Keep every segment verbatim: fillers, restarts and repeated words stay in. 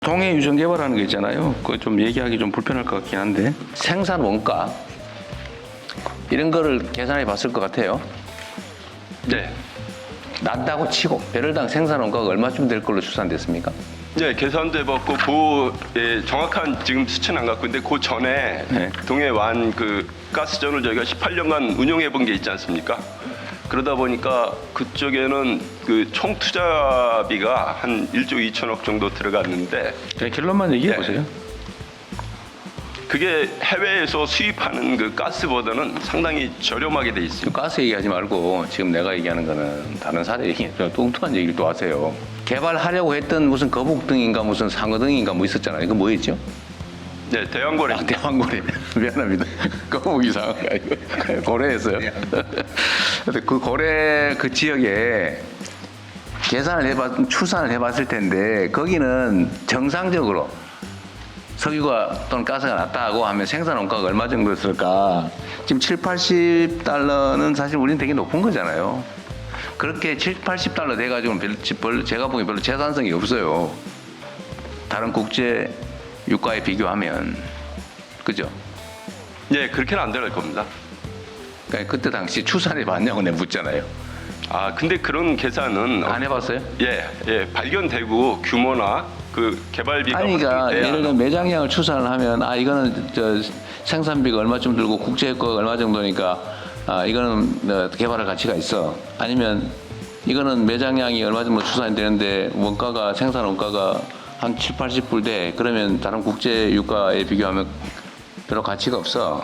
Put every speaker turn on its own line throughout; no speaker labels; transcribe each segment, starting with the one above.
동해 유전 개발하는 거 있잖아요. 그거 좀 얘기하기 좀 불편할 것 같긴 한데 생산 원가 이런 거를 계산해 봤을 것 같아요.
네.
낮다고 치고 배럴당 생산 원가가 얼마쯤 될 걸로 추산됐습니까?
네, 계산도 해봤고 그 예, 정확한 지금 수치는 안 갖고 있는데 그 전에
네.
동해 완 그 가스전을 저희가 십팔 년간 운용해 본 게 있지 않습니까? 그러다 보니까 그쪽에는 그 총 투자비가 한 일조 이천억 정도 들어갔는데
그냥 결론만 얘기해
네.
보세요.
그게 해외에서 수입하는 그 가스보다는 상당히 저렴하게 돼 있습니다.
가스 얘기하지 말고 지금 내가 얘기하는 거는 다른 사례 얘기, 뚱뚱한 얘기를 또 하세요. 개발하려고 했던 무슨 거북등인가 무슨 상어등인가 뭐 있었잖아요. 이거 뭐였죠?
네, 대왕고래.
아, 대왕고래. 미안합니다. 거북이 상어가 아니고 고래였어요. 근데 그 고래 그 지역에 계산을 해봤, 추산을 해봤을 텐데 거기는 정상적으로 석유가 또는 가스가 낮다고 하면 생산 원가가 얼마 정도였을까? 지금 칠, 팔십 달러는 사실 우리는 되게 높은 거잖아요. 그렇게 칠, 팔십 달러 돼가지고는 별로, 제가 보기엔 별로 재산성이 없어요. 다른 국제 유가에 비교하면. 그죠?
네, 그렇게는 안 들어갈 겁니다.
그러니까 그때 당시 추산해 봤냐고 내가 묻잖아요.
아, 근데 그런 계산은
안 해봤어요?
예, 예, 발견되고 규모나 그 개발비가
아니, 그러니까
확정돼야
예를 들어 매장량을 추산을 하면 아 이거는 저 생산비가 얼마쯤 들고 국제효과가 얼마 정도니까 아 이거는 어, 개발할 가치가 있어. 아니면 이거는 매장량이 얼마 정도 추산이 되는데 원가가 생산 원가가 한 칠, 팔십 불 돼. 그러면 다른 국제 유가에 비교하면 별로 가치가 없어.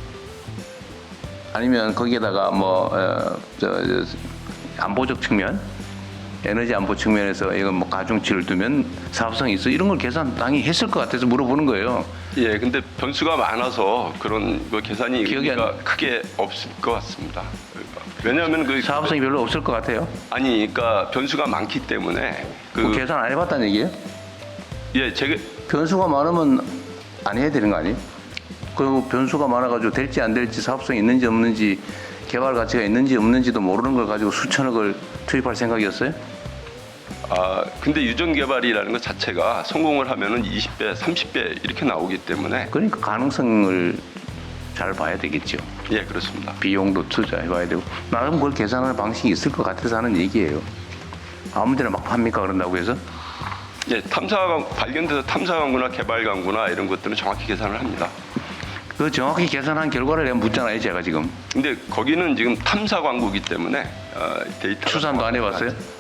아니면 거기에다가 뭐 어, 저, 저, 안보적 측면, 에너지 안보 측면에서 이건 뭐 가중치를 두면 사업성이 있어 이런 걸 계산 당연히 했을 것 같아서 물어보는 거예요.
예, 근데 변수가 많아서 그런 거 계산이
기억이 안-
의미가 크게 없을 것 같습니다. 왜냐하면 그
사업성이 별로 없을 것 같아요.
아니, 그러니까 변수가 많기 때문에 그
뭐 계산 안 해봤다는 얘기예요?
예, 제가
변수가 많으면 안 해야 되는 거 아니에요? 그리고 변수가 많아가지고 될지 안 될지 사업성이 있는지 없는지 개발 가치가 있는지 없는지도 모르는 걸 가지고 수천억을 투입할 생각이었어요?
아 근데 유전 개발이라는 것 자체가 성공을 하면은 이십 배, 삼십 배 이렇게 나오기 때문에
그러니까 가능성을 잘 봐야 되겠죠.
예, 그렇습니다.
비용도 투자해봐야 되고 나름 그걸 계산하는 방식이 있을 것 같아서 하는 얘기예요. 아무데나 막 팝니까 그런다고 해서?
예, 탐사 발견돼서 탐사 광구나 개발 광구나 이런 것들은 정확히 계산을 합니다.
그 정확히 계산한 결과를 내가 묻잖아요, 제가 지금.
근데 거기는 지금 탐사 광구이기 때문에 어, 데이터
추산도 안 해봤어요?